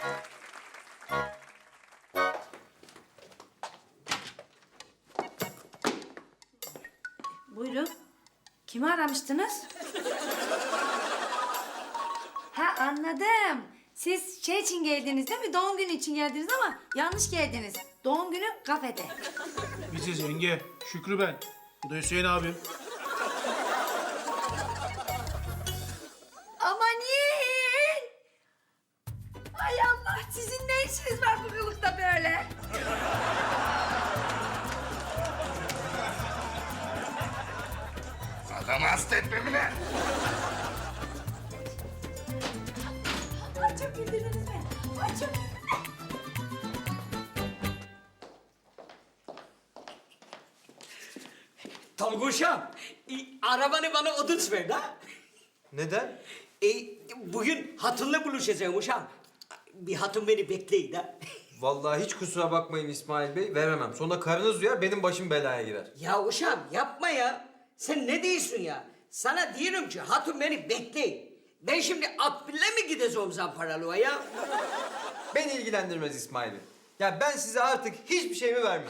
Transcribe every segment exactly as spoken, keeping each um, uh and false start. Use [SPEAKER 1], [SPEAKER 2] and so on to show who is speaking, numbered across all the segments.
[SPEAKER 1] Buyurun. Kimi aramıştınız? Ha anladım. Siz şey için geldiniz değil mi? Doğum günü için geldiniz ama yanlış geldiniz. Doğum günü kafede.
[SPEAKER 2] Biziz yenge. Şükrü ben. Bu da Hüseyin abim.
[SPEAKER 1] Amanin! Ay Allah, sizin ne işiniz var bu kılıkta böyle?
[SPEAKER 3] Adamı hasta etme Emine.
[SPEAKER 1] Ay çok güldünüz beni. Ay çok güldünüz.
[SPEAKER 4] Tolguşam, e, arabanı bana ödünç ver da.
[SPEAKER 5] Neden?
[SPEAKER 4] E, bugün hatunla buluşacağım uşağım. Bir hatun beni bekleyin da.
[SPEAKER 5] Vallahi hiç kusura bakmayın İsmail Bey, veremem. Sonra karınız duyar, benim başım belaya girer.
[SPEAKER 4] Ya uşağım yapma ya. Sen ne diyorsun ya? Sana diyorum ki hatun beni bekleyin. Ben şimdi Akbil'le mi gideceğim Zamparalı'ya ya?
[SPEAKER 5] Beni ilgilendirmez İsmail Bey. Ya ben size artık hiçbir şeyimi vermem.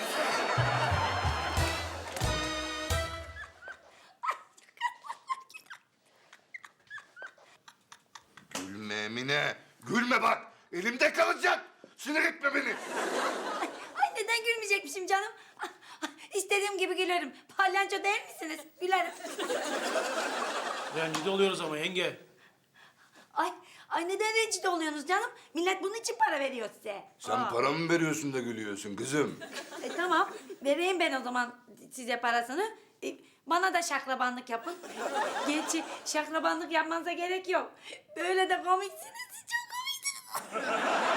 [SPEAKER 3] Gülme Emine. Gülme bak. Elimde kalacak. Sinir etme beni.
[SPEAKER 1] Ay neden gülmeyecekmişim canım? İstediğim gibi gülerim. Palyanço değil misiniz? Gülerim.
[SPEAKER 2] Rencide oluyoruz ama yenge.
[SPEAKER 1] Ay, ay neden rencide oluyorsunuz canım? Millet bunun için para veriyor size.
[SPEAKER 3] Sen
[SPEAKER 1] Aa.
[SPEAKER 3] para mı veriyorsun da gülüyorsun kızım?
[SPEAKER 1] E, tamam, vereyim ben o zaman size parasını. E, bana da şaklabanlık yapın. Gerçi şaklabanlık yapmanıza gerek yok. Böyle de komiksiniz, çok komiksiniz.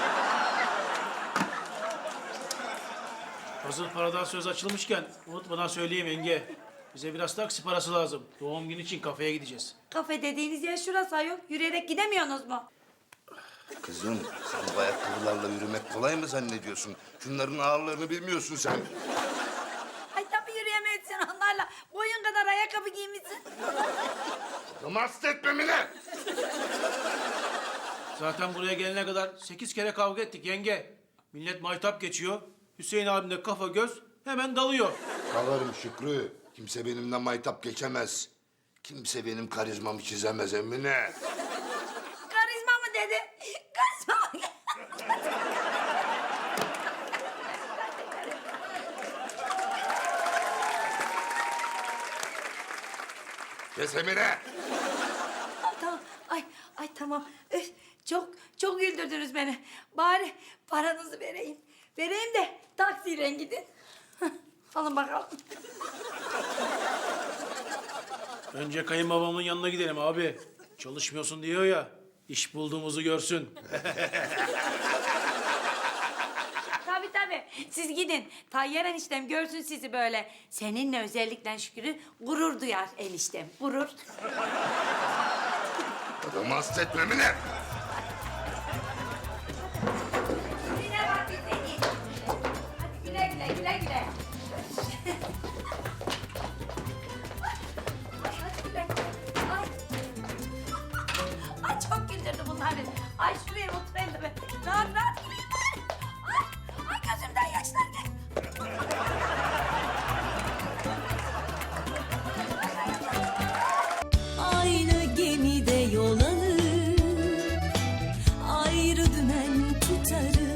[SPEAKER 2] Hazır paradan söz açılmışken unutmadan söyleyeyim yenge. Bize biraz taksi parası lazım. Doğum günü için kafeye gideceğiz.
[SPEAKER 1] Kafe dediğiniz yer şurası yok. Yürüyerek gidemiyorsunuz mu?
[SPEAKER 3] Kızım sen bu ayakkabılarla yürümek kolay mı zannediyorsun? Şunların ağırlığını bilmiyorsun sen.
[SPEAKER 1] Ay tabii yürüyemezsin onlarla. Boyun kadar ayakkabı giymişsin.
[SPEAKER 3] Adamı hasta etme Emine.
[SPEAKER 2] Zaten buraya gelene kadar sekiz kere kavga ettik yenge. Millet maytap geçiyor. Hüseyin abim de kafa göz hemen dalıyor.
[SPEAKER 3] Dalarım Şükrü. Kimse benimle maytap geçemez. Kimse benim karizmamı çizemez Emine.
[SPEAKER 1] Karizma mı dedi? Karizma mı?
[SPEAKER 3] Kes Emine.
[SPEAKER 1] Ay, tamam. Ay, ay tamam. Üf, çok, çok güldürdünüz beni. Bari paranızı vereyim. Vereyim de taksiyle gidin. Hah, alın bakalım.
[SPEAKER 2] Önce kayınbabamın yanına gidelim abi. Çalışmıyorsun diyor ya. İş bulduğumuzu görsün.
[SPEAKER 1] Tabii tabii. Siz gidin. Tayyar eniştem görsün sizi böyle. Seninle özellikle Şükrü gurur duyar eniştem. Gurur.
[SPEAKER 3] Adamı hasta etme Emine.
[SPEAKER 1] Yine bak bir seni. Hadi güle güle güle güle. Ay, hadi güle güle. Ay. Ay çok güldürdü bunlar beni. Ay şuraya oturayım da ben. Rahat rahat güleyim ben. Ay, ay gözümden yaşlar geldi.
[SPEAKER 6] Aynı gemide yol alır, ayrı dümen tutarız.